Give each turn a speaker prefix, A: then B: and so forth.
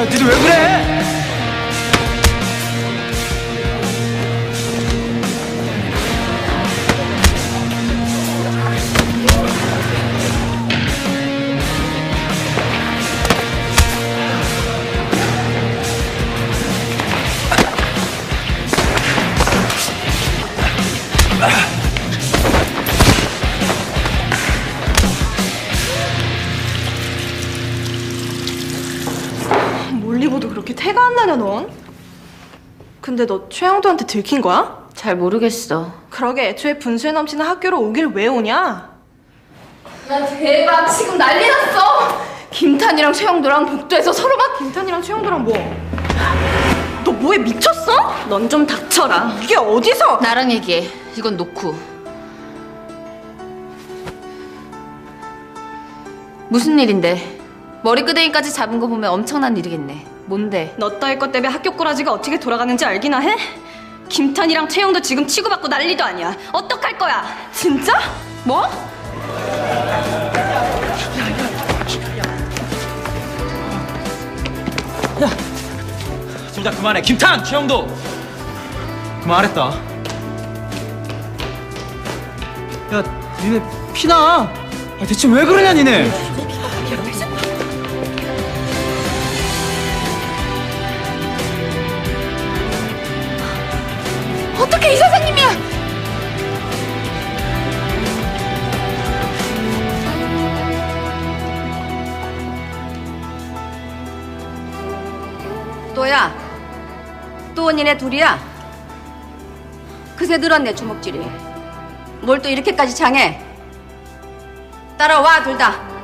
A: 니들 왜 그래?
B: 몰리고도 그렇게 태가 안 나냐 넌? 근데 너 최영도한테 들킨 거야?
C: 잘 모르겠어.
B: 그러게 애초에 분수에 넘치는 학교로 오길 왜 오냐?
C: 야 대박, 지금 난리 났어. 김탄이랑 최영도랑 복도에서 서로 막.
B: 김탄이랑 최영도랑 뭐? 너 뭐에 미쳤어?
C: 넌 좀 닥쳐라.
B: 이게 어디서?
C: 나랑 얘기해. 이건 놓고. 무슨 일인데? 머리끄댕이까지 잡은 거 보면 엄청난 일이겠네. 뭔데?
B: 너 따위 것 때문에 학교 꼬라지가 어떻게 돌아가는지 알기나 해? 김탄이랑 최영도 지금 치고받고 난리도 아니야. 어떡할 거야? 진짜? 뭐?
A: 둘 다 그만해. 김탄, 최영도 그만하랬다. 야, 니네 피나? 대체 왜 그러냐, 니네?
C: 어떻게 이 선생님이야?
D: 또야, 또 니네 둘이야? 그새 늘었네 주먹질이. 뭘 또 이렇게까지 장해? 따라와 둘 다.